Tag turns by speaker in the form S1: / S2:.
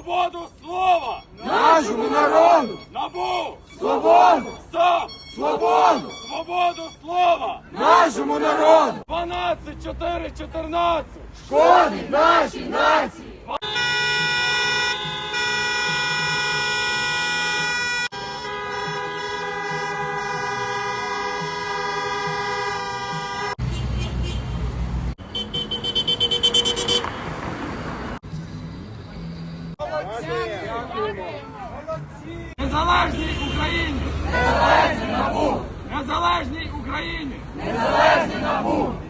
S1: Свободу слова!
S2: Нашому народу!
S1: НАБУ!
S2: Свободу!
S1: САП!
S2: Свободу!
S1: Свободу слова!
S2: Нашому народу!
S1: 12-4-14!
S2: Шкодить нашій нації!
S1: Незалежній Україні!
S2: Незалежний НАБУ!
S1: Незалежній Україні!
S2: Незалежний НАБУ!